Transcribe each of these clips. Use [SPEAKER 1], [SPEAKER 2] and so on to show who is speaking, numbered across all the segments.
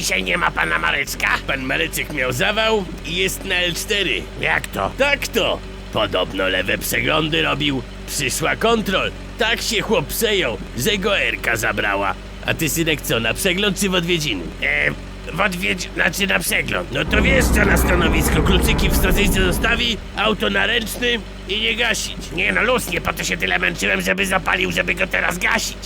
[SPEAKER 1] dzisiaj nie ma pana Mareczka?
[SPEAKER 2] Pan Mareczek miał zawał i jest na L4.
[SPEAKER 1] Jak to?
[SPEAKER 2] Tak to! Podobno lewe przeglądy robił. Przyszła kontrol. Tak się chłop przejął, że go Erka zabrała. A ty, synek, co, na przegląd czy w odwiedziny?
[SPEAKER 1] Znaczy na przegląd.
[SPEAKER 2] No to wiesz co, na stanowisko kluczyki w stacyjce zostawi, auto na ręcznym i nie gasić.
[SPEAKER 1] Nie no, luz, nie po to się tyle męczyłem, żeby zapalił, żeby go teraz gasić.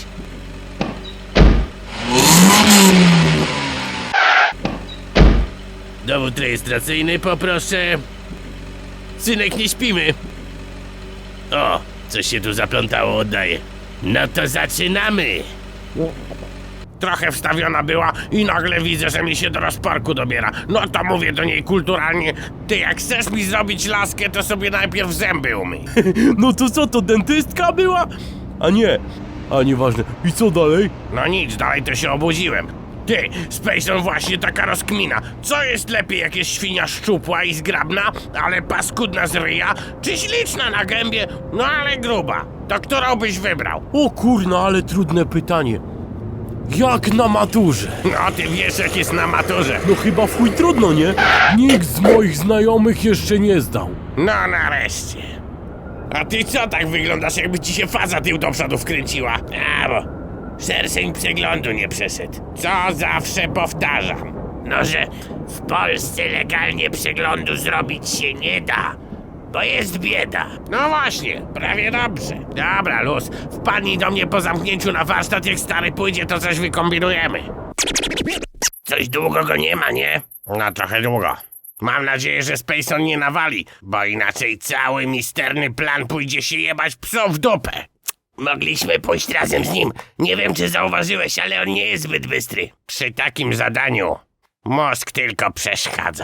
[SPEAKER 2] Dowód rejestracyjny poproszę. Synek, nie śpimy. O, coś się tu zaplątało, oddaję. No to zaczynamy.
[SPEAKER 1] Trochę wstawiona była i nagle widzę, że mi się do rozporku dobiera. No to mówię do niej kulturalnie: ty, jak chcesz mi zrobić laskę, to sobie najpierw zęby umyj.
[SPEAKER 3] No to co, to dentystka była? A nieważne. I co dalej?
[SPEAKER 1] No nic, dalej to się obudziłem. Ty, Spacon, właśnie taka rozkmina. Co jest lepiej, jak jest świnia szczupła i zgrabna, ale paskudna z ryja, czy śliczna na gębie, no ale gruba? To którą byś wybrał?
[SPEAKER 3] O kurna, ale trudne pytanie. Jak na maturze?
[SPEAKER 1] No ty wiesz, jak jest na maturze.
[SPEAKER 3] No chyba w chuj trudno, nie? Nikt z moich znajomych jeszcze nie zdał.
[SPEAKER 1] No nareszcie. A ty co tak wyglądasz, jakby ci się faza tył do przodu wkręciła? A, bo szerszeń przeglądu nie przeszedł. Co zawsze powtarzam. No, że w Polsce legalnie przeglądu zrobić się nie da, bo jest bieda. No właśnie, prawie dobrze. Dobra, luz, wpadnij do mnie po zamknięciu na warsztat, jak stary pójdzie, to coś wykombinujemy. Coś długo go nie ma, nie? No trochę długo. Mam nadzieję, że Spacon nie nawali, bo inaczej cały misterny plan pójdzie się jebać psom w dupę. Mogliśmy pójść razem z nim. Nie wiem, czy zauważyłeś, ale on nie jest zbyt bystry. Przy takim zadaniu mózg tylko przeszkadza.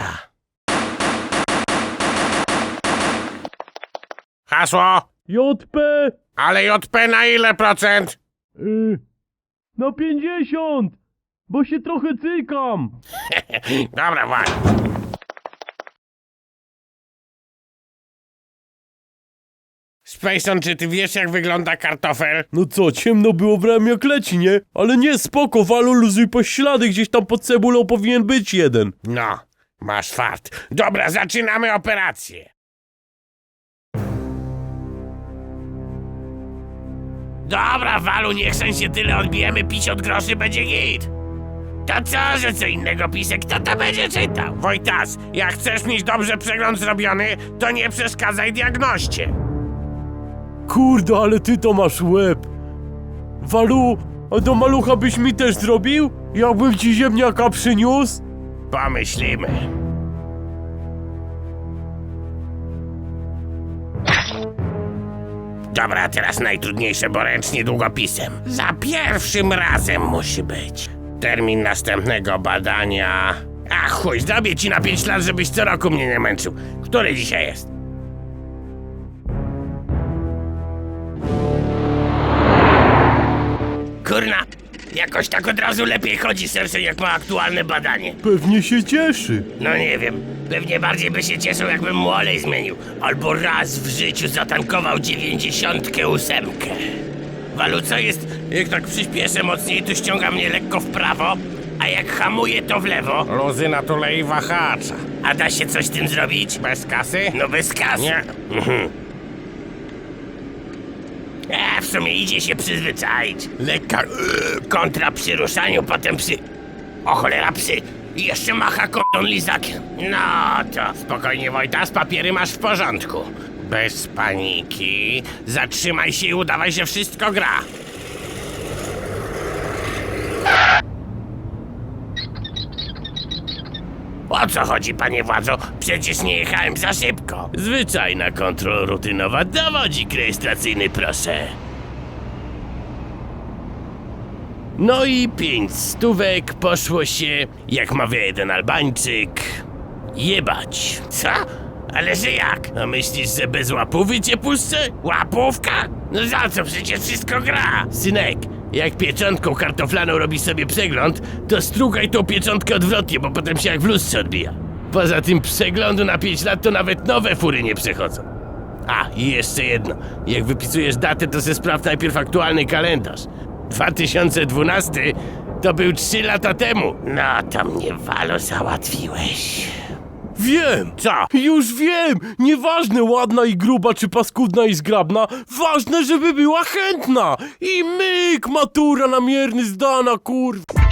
[SPEAKER 1] Hasło?
[SPEAKER 3] JP!
[SPEAKER 1] Ale JP na ile procent?
[SPEAKER 3] Na 50! Bo się trochę cykam!
[SPEAKER 1] Dobra, właśnie. Spacon, czy ty wiesz, jak wygląda kartofel?
[SPEAKER 3] No co, ciemno było, brałem jak leci, nie? Ale nie, spoko, walu, luzuj po ślady, gdzieś tam pod cebulą powinien być jeden.
[SPEAKER 1] No, masz fart. Dobra, zaczynamy operację. Dobra, Walu, nie chcę się tyle, odbijemy 50 groszy, będzie git. To co, że co innego pisek, kto to będzie czytał? Wojtas, jak chcesz mieć dobrze przegląd zrobiony, to nie przeszkadzaj diagnoście.
[SPEAKER 3] Kurde, ale ty to masz łeb. Walu, a do malucha byś mi też zrobił? Jakbym ci ziemniaka przyniósł?
[SPEAKER 1] Pomyślimy. Dobra, teraz najtrudniejsze, bo ręcznie długopisem. Za pierwszym razem musi być. Termin następnego badania... A chuj, zrobię ci na 5 lat, żebyś co roku mnie nie męczył. Który dzisiaj jest? Kurna, jakoś tak od razu lepiej chodzi serce, jak ma aktualne badanie.
[SPEAKER 3] Pewnie się cieszy.
[SPEAKER 1] No nie wiem, pewnie bardziej by się cieszył, jakbym mu olej zmienił. Albo raz w życiu zatankował 98. Walu, co jest? Jak tak przyspieszę mocniej, to ściąga mnie lekko w prawo, a jak hamuję, to w lewo. Luzyna tulei wahacza. A da się coś z tym zrobić? Bez kasy? No bez kasy. Nie. W sumie idzie się przyzwyczaić. Lekka kontra przy ruszaniu, potem przy... O cholera, psy! I jeszcze macha kondon lizakiem. No to spokojnie, Wojtas, papiery masz w porządku. Bez paniki. Zatrzymaj się i udawaj, że wszystko gra. O co chodzi, panie władzo? Przecież nie jechałem za szybko.
[SPEAKER 2] Zwyczajna kontrola rutynowa. Dowodzik rejestracyjny, proszę. No i 5 stówek poszło się, jak mawia jeden Albańczyk, jebać.
[SPEAKER 1] Co? Ale że jak?
[SPEAKER 2] A myślisz, że bez łapówy cię puszczę?
[SPEAKER 1] Łapówka? No za co? Przecież wszystko gra.
[SPEAKER 2] Synek, jak pieczątką kartoflaną robisz sobie przegląd, to strugaj tą pieczątkę odwrotnie, bo potem się jak w lustrze odbija. Poza tym przeglądu na 5 lat to nawet nowe fury nie przechodzą. A, i jeszcze jedno. Jak wypisujesz datę, to se sprawdź najpierw aktualny kalendarz. 2012 To był 3 lata temu. No to mnie, Walo, załatwiłeś.
[SPEAKER 3] Wiem!
[SPEAKER 1] Co?
[SPEAKER 3] Już wiem! Nieważne ładna i gruba, czy paskudna i zgrabna, ważne, żeby była chętna! I myk, matura namierny zdana, kurwa!